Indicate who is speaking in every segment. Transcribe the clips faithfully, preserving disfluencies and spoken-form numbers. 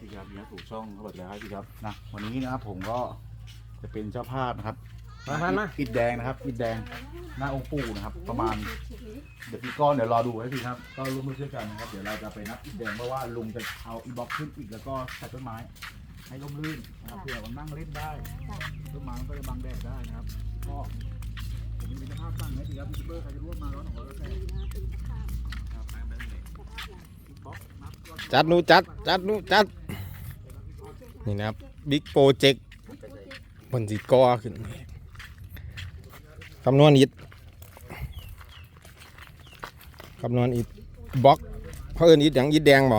Speaker 1: พี่ครับนี่ถูกช่องเขาบอกแล้วครับพี่ครับนะวันนี้นะครับผมก็จะเป็นเจ้าภาพนะครับมามาอิฐแดงนะครับอิฐแดงหน้าองค์ปู่นะครับประมาณเดี๋ยวพี่ก้อนเดี๋ยวรอดูให้พี่ครับก็ร่วมมือช่วยกันนะครับเดี๋ยวเราจะไปนับอิฐแดงเพราะว่าลุงจะเอาอีบ็อกขึ้นอีกแล้วก็ใส่ต้นไม้ให้ร่มรื่นนะครับเพื่อมันนั่งเล่นได้ต้นไม้มันก็จะบังแดดได้นะครับก็ผมมีเจ้าภาพตั้งให้พี่ครับยูทูบเบอร์ใครจะร่วมมาร้อนของเราแล้วแต่
Speaker 2: จัดนูจัดจัดนูจัดนี่นะครับบิ๊กโปรเจกต์บนสีกอขึ้นคำนวณอิฐคำนวณอิฐบล็อกเพราะเอิญอิฐอย่างอิฐแดงบ่
Speaker 1: ของ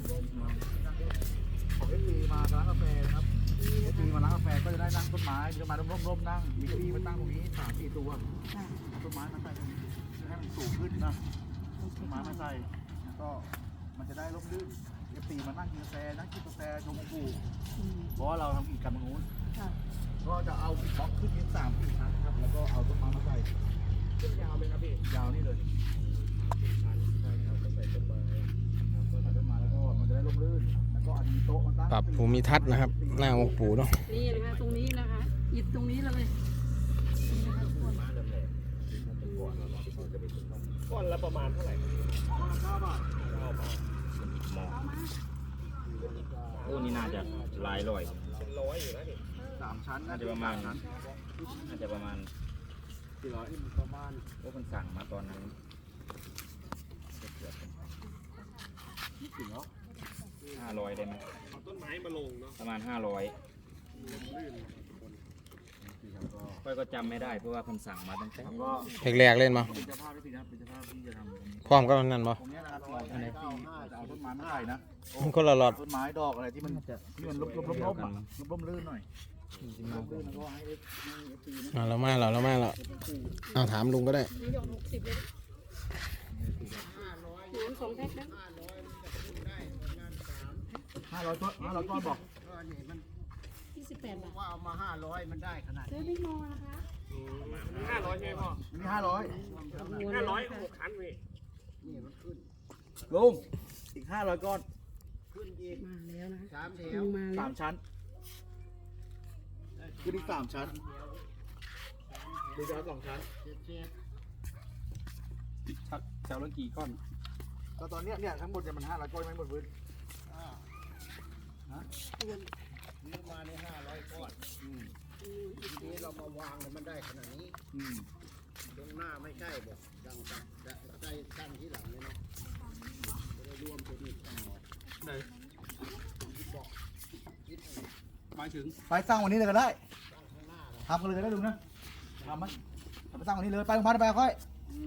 Speaker 1: เอฟซีมาร้านกาแฟนะครับเอฟซีมาร้านกาแฟก็จะได้นั่งต้นไม้จะมาร่มๆนั่งมีเก้าอี้มาตั้งตรงนี้สามสี่ตัวต้นไม้มาใส่ตรงนี้จะให้มันสูงขึ้นนะต้นไม้มาใส่แล้วก็มันจะได้ร่มรื่นเอฟซีมานั่งกินกาแฟนั่งกินกาแฟชมพูเพราะว่าเราทำกิจกรรมตรงนู้นก็จะเอาบล็อกขึ้นเป็นสามสี่ชั้นครับแล้วก็เอาต้นไม้มาใส่ขึ้นยาวไหมครับพี่ยาวนี่เลยชั้นใช่ครับก็ใส่ต้นไม้ครับก็ใส่ต้นไม้แล้วก็มันจะได้ร่มรื่นแล้วก็อันนี้โต๊ะมันตั้ง
Speaker 2: ปรับภูมิทัศน์นะครับหน้าองค์ปู่เนาะ
Speaker 3: นี่นะคะตรงนี้นะคะหยิบตรงนี้เลย
Speaker 4: ก้อนละประมาณเท่าไหร่ก้อนละเก้าบาทเก้าบาท
Speaker 5: โอ้นี่น่าจะหลายร้อย
Speaker 4: เป็นร้อยอยู่นะนี่
Speaker 1: สามชั้น
Speaker 5: น่าจะประมาณน่าจะประมาณ
Speaker 4: สี่ร้อยประมาณ
Speaker 5: โอ้คนสั่งมาตอนนั้นห้าร้อยได้ไหม
Speaker 4: เอาต้นไม้มาลงเนาะ
Speaker 5: ประมาณห้าร้อยค่อยก็จำไม่ได้เพราะว่าคนสั่งมาตั้งแต่
Speaker 2: แรกๆเล่นมา
Speaker 1: เป็นเจ้าภาพที่เป็นเจ้าภาพที่จะทำ
Speaker 2: พร้อมก็นั่นบ่
Speaker 1: ตรงนี้นะครับเราจะเอาต้นไม้มาใส่นะ
Speaker 2: มันคนละหลอด
Speaker 1: ต้นไม้ดอกอะไรที่มันที่มันล้มล้มล้มล้มล้มลื่นหน่อยล้มลื่นแล้วก็ให้เอฟซีนะ
Speaker 2: มาแล้วมาแล้วแล้วมาแล้วเอาถามลุงก็ได้
Speaker 1: ห้าร้อยต้นห้าร้อยต้นบอก
Speaker 3: ยี่สิบแปดบาท
Speaker 4: ว่าเอามาห้าร้อยมันได้ขนาด
Speaker 3: ซื้อบิ๊กโมนะคะ
Speaker 4: ห้าร้อยใช่ไหมพ่อ
Speaker 1: มีห้าร้อย
Speaker 4: ห้าร้อยหกชั้นพี่
Speaker 1: นี่มันขึ้นลุงอีกห้าร้อยก้อน
Speaker 4: ขึ้นอีก
Speaker 3: มาแล้วนะ
Speaker 4: สามแถว
Speaker 1: สามชั้นขึ้นอีกสามชั้นดูจะเอาสองชั้น
Speaker 4: ชัดแถวละกี่ก้อน
Speaker 1: ก็ตอนนี้เนี่ยทั้งหมดจะมันห้าร้อยก้อนไม่หมดพื้น
Speaker 4: ฮะนี่มาในห้าร้อยก้อนทีนี้เรามาวางแล้วมันได้ขนาดนี้ตรงหน้าไม่ใช่บอกดังจังได้ตั้งที่หลังเลยเนาะจะได้รวมเป็นอีกต่อไหนบอกหมายถึง
Speaker 1: ไปสร้างวันนี้เลยก็ได้ทำกันเลยก็ได้ลุงนะทำไหมไปสร้างวันนี้เลยไปโรงพยาบาลไปค่อย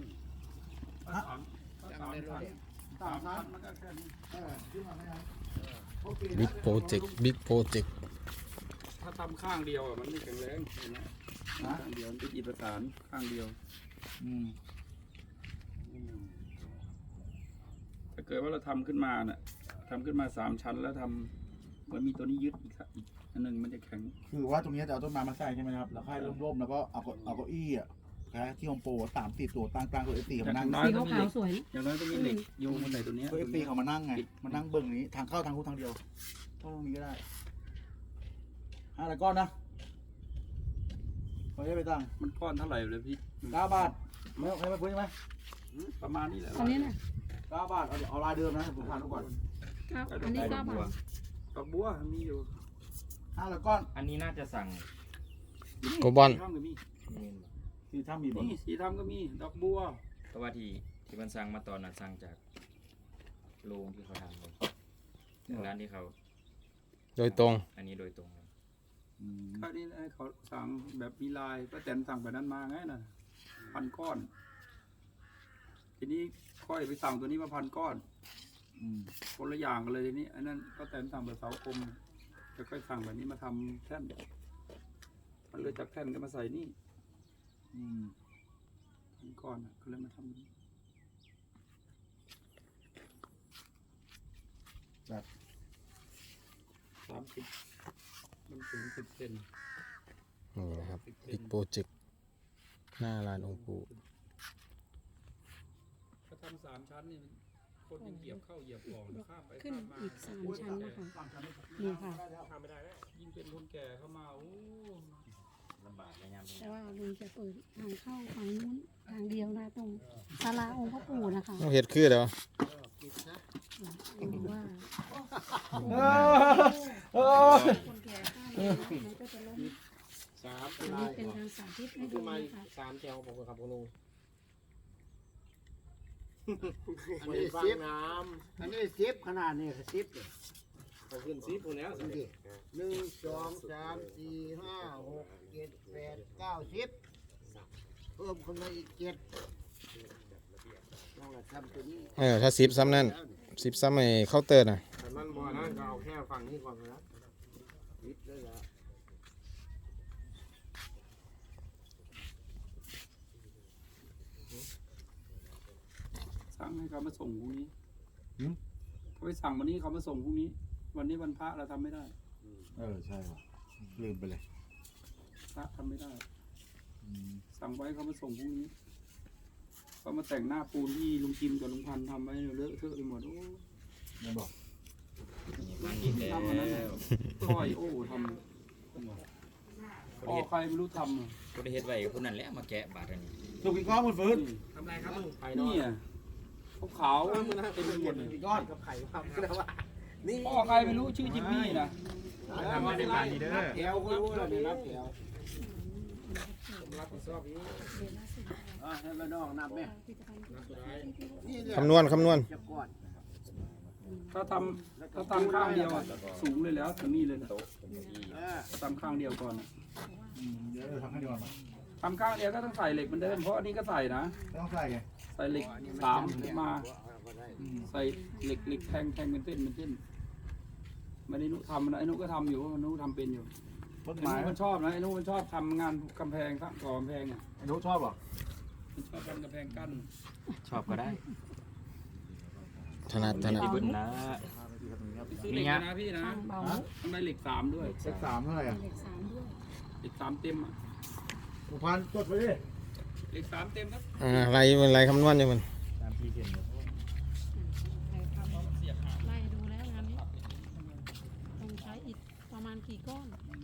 Speaker 2: บิ๊กโปรเจกต์บิ๊กโปรเจกต์
Speaker 4: ถ้าทำข้างเดียวอ่ะมันไม่แข็งแรงเห็นไหมข้างเดียวเป็นอิฐประสานข้างเดียวถ้าเกิดว่าเราทำขึ้นมาเนี่ยทำขึ้นมาสามชั้นแล้วทำเหมือนมีตัวนี้ยึดอีกอันหนึ่งมันจะแข็ง
Speaker 1: คือว่าตรงนี้จะเอาต้นไม้มาใส่ใช่ไหมครับแล้วให้ร่มๆแล้วก็เอาเอาเก้าอี้อ่ะที่โฮมโปรสามสี่ตัวตั้งกลางตัวเอฟซีเขามานั่ง
Speaker 3: สีขาวสวย
Speaker 4: อย่างน้อยก็มีเหล็กโยงบนไหนตัวนี้
Speaker 1: ตัวเอฟซีเขามานั่งไงมานั่งเบิ้งนี้ทางเข้าทางคู่ทางเดียวเข้าตรงนี้ก็ได้ห้าร้อยก้อนนะไม่ได้ไปตั้ง
Speaker 4: มันก้อนเท่าไหร่เลยพี่
Speaker 1: เก้าบาทไม่ใครมาพูดใช่ไหม
Speaker 4: ประมาณนี้แหละ
Speaker 3: อันนี้นะ
Speaker 1: เก้าบาทเอาเอาลายเดิมนะผมทานทุกก่อน
Speaker 3: อันนี้เก้าบาท
Speaker 4: ดอกบัวมีอยู่
Speaker 1: ห้าร้อยก้อน
Speaker 5: อันนี้น่าจะสั่ง
Speaker 2: โกบอล
Speaker 1: สีทำมีบ่
Speaker 4: นี่สีทำก็มีดอกบัว
Speaker 5: เพราะว่าที่ที่มันสั่งมาตอนนั้นสั่งจากโรงที่เขาทำเลยร้านที่เขา
Speaker 2: โดยตรง
Speaker 5: อันนี้โดยตรงเลย
Speaker 4: อันนี้เขาสั่งแบบมีลายป้าแตนสั่งแบบนั้นมาไงน่ะพันก้อนทีนี้ค่อยไปสั่งตัวนี้มาพันก้อนคนละอย่างกันเลยทีนี้อันนั้นป้าแตนสั่งแบบเสาคมจะค่อยสั่งแบบนี้มาทำแท่นมันเลยจากแท่นก็มาใส่นี่พันก้อนก็เลยมาทำแบบสามสิบมันถึงสิบเซน
Speaker 2: นี่นะครับบิ๊กโปรเจกต์หน้าลานองค์ปู่
Speaker 4: ถ้าทำสามชั้นนี่คนยังเหยียบเข้าเหยียบออกข้ามไป
Speaker 3: ขึ้น
Speaker 4: ข้ามมา
Speaker 3: อีกสามชั้นนะคะนี่ค่ะ
Speaker 4: ยิ่งเป็นคนแก่เข้ามาโอ้
Speaker 5: ลำบากในยามนี้
Speaker 3: แต่ว่าลุงจะเปิดทางเข้าฝั่งนู้นทางเดียวนะตรงศาลาองค์พระปู่นะคะ
Speaker 2: เอาเห็ดคือเดี๋ยว
Speaker 3: ดูว่า
Speaker 2: เออ
Speaker 3: คนแก่ข้ามมามันก็จะล้ม
Speaker 6: สาม
Speaker 3: อันนี้เป็นทางสาธิตให้ดูนะคะ
Speaker 6: สามแถวผมกับคุณลุง
Speaker 7: อันนี้ซิปอันนี้ซิปขนาดนี้ซิป
Speaker 6: เขาขึ้นซีพูแล้ว
Speaker 7: ดูดิหนึ่งสองสามสี่ห้าหกเจ็ดแปดเก้าสิบเพิ่มขึ้นมาอีกเจ็ดต้องทำตัวนี้
Speaker 2: เออถ้าสิบซ้ำนั่นสิบซ้ำไอ้เคาน์เตอร์น่ะ
Speaker 6: แต่มันบ่อนั่นก็เอาแค่ฝั่งนี้ก่อนนะ
Speaker 7: ซิปเลยละ
Speaker 4: สั่งให้เขามาส่งพรุ่งนี้เขาไปสั่งวันนี้เขามาส่งพรุ่งนี้ วันนี้วันพระเราทำไม่ได้
Speaker 1: เออใช่ว่ะลืมไปเลย
Speaker 4: พระทำไม่ได้ สั่งไว้เขามาส่งพรุ่งนี้เขามาแต่งหน้าปูนที่ลุงจิมกับลุงพันธ์ทำไว้เลอะเทอะไปหมดโอ้
Speaker 1: ไม่บอก
Speaker 5: มาอีกแล้
Speaker 4: ทำอันนั้นน่ะ
Speaker 5: ว
Speaker 4: ก้อยโอ้ทำพ่อใครไม่รู้ทำอ่ะ
Speaker 5: ก็ได้เฮ็ดไว้กับคนนั้นแหละมาแกะบาดอันนี้
Speaker 1: ลูกกินก้อนมันฟื้น
Speaker 6: ทำไรครับลุงไข่นอ
Speaker 4: นี่
Speaker 6: น
Speaker 4: อ่ะขาวๆเต็มไปหมดเลย
Speaker 6: ก้อนกับไข่ครับนะว่านี่
Speaker 4: พ่อใครไม่รู้ชื่อจิมมี่นะ
Speaker 6: ทำไม่ได้การดีเด้อ
Speaker 7: แถวก็รู้แล้วนี่นับแถว
Speaker 6: ผมรับผิดชอบนี้
Speaker 7: อ่ะให้มาน้องนับไหมนี่แหละ
Speaker 2: คำนวณคำนวณ
Speaker 7: จะก่อน
Speaker 4: ถ้าทำถ้าทำข้างเดียวอะสูงเลยแล้วถึงนี่เลยนะ
Speaker 7: เออ
Speaker 4: ถ้าทำข้างเดียวก่อนอะ
Speaker 1: เดี๋ยวเราทำให้ดีกว่ามั้ย
Speaker 4: ทำข้างเดียวก็ต้องใส่เหล็กเหมือนเดิมเพราะอันนี้ก็ใส่นะ
Speaker 1: ไม่ต้องใส่ไง
Speaker 4: ใส่เหล็กสามมาใส่เหล็กเหล็กแทงแทงเป็นเส้นเป็นเส้นไม่ได้นุทำนะไอ้นุก็ทำอยู่เพราะนุทำเป็นอยู่
Speaker 1: ต้น
Speaker 4: ไอ้
Speaker 1: ไม้
Speaker 4: นุมันชอบนะไอ้นุมันชอบทำงานกำแพงสร้างก่อกำแพงอ่ะ
Speaker 1: ไอ้นุชอบเหรอ
Speaker 4: มันชอบทำกำแพงกั้น
Speaker 5: ชอบก็ได้
Speaker 2: ถนัดถนัด
Speaker 5: ที่บุญนะ
Speaker 4: ซื้อเหล็กนะพี่นะ
Speaker 3: ข้างเบา
Speaker 4: ต้องได้เหล็กสามด้วย
Speaker 1: เลขสามเท่าไหร่อ่ะ
Speaker 3: เด็กสามด้วย
Speaker 4: เหล็กสามเต็มอ่ะ
Speaker 1: หกพันจดไปดิ
Speaker 4: เหล็กสามเต็มครับ
Speaker 2: อ่าไรมันไรคำนวณอยู่มัน
Speaker 5: ตามที่เขียน
Speaker 3: ใครทำไล่ดูแล้วงานนี้ต้องใช้อิฐประมาณกี่ก้อน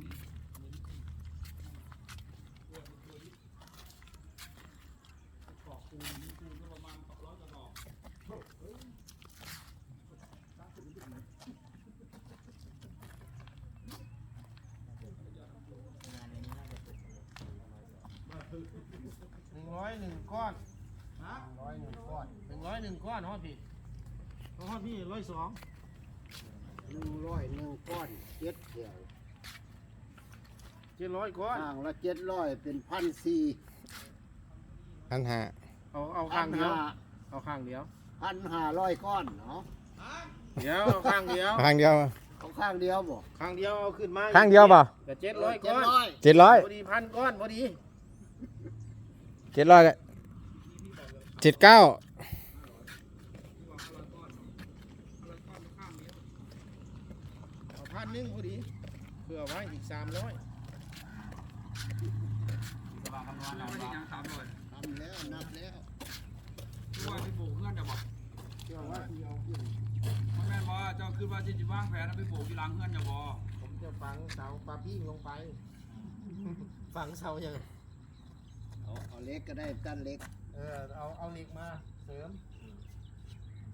Speaker 6: หนึ่งร้อยหนึ่งก้อนร้อยหนึ่งก้อนหนึ่งร้อยหนึ่งก้อนฮอดพี่ฮอดพี่ร้อยสอง
Speaker 7: หนึ่งร้อยหนึ่งก้อนเจ็ดแถว
Speaker 6: เจ็ดร้อยก้อน
Speaker 7: ห่างละเจ็ดร้อยเป็นพันสี่
Speaker 2: พันห้า
Speaker 6: เอาเอา
Speaker 7: พั
Speaker 6: ข้าง
Speaker 7: น
Speaker 6: เดียว
Speaker 7: ห้า
Speaker 6: เอาข้างเดียว
Speaker 7: พันห้าร้อยก้อนเนาะ
Speaker 6: เดี๋ยวเอาข้างเดียว
Speaker 2: ข้างเดียว
Speaker 7: เอาข้างเดียวบ่
Speaker 6: ข้างเดียวเอาขึ้นมา
Speaker 2: ข้างเดียวเปล่า
Speaker 6: แต่เจ็ดร้อยก้อน
Speaker 2: เจ็ดร้อย
Speaker 6: พอดีพันก้อนพอดี
Speaker 2: เจ็ดร้อยเจ็ดเก้า
Speaker 6: เอาพันหนึงพอดีเพื่อไว้อีกสามร้อย
Speaker 4: เราไม่ได้ยังสามร้อย
Speaker 7: ทำแล้วนับแล้ว
Speaker 4: ว่าพี่ปลูกเพื่อนจะบอก
Speaker 7: เชื่อว่าที่เอาขึ้น
Speaker 4: แม่บอกเจ้าคือว่าที่จะวางแผนนะพี่ปลูกที่หลังเพื่อนจะบอก
Speaker 6: ผมจะฝังเสาปลาปิ้งลงไป ฝังเสายัง
Speaker 7: เอาเอาเล็กก็ได้กั้นเล็ก
Speaker 6: เออเอาเอาเหล็กมาเสริม
Speaker 7: เ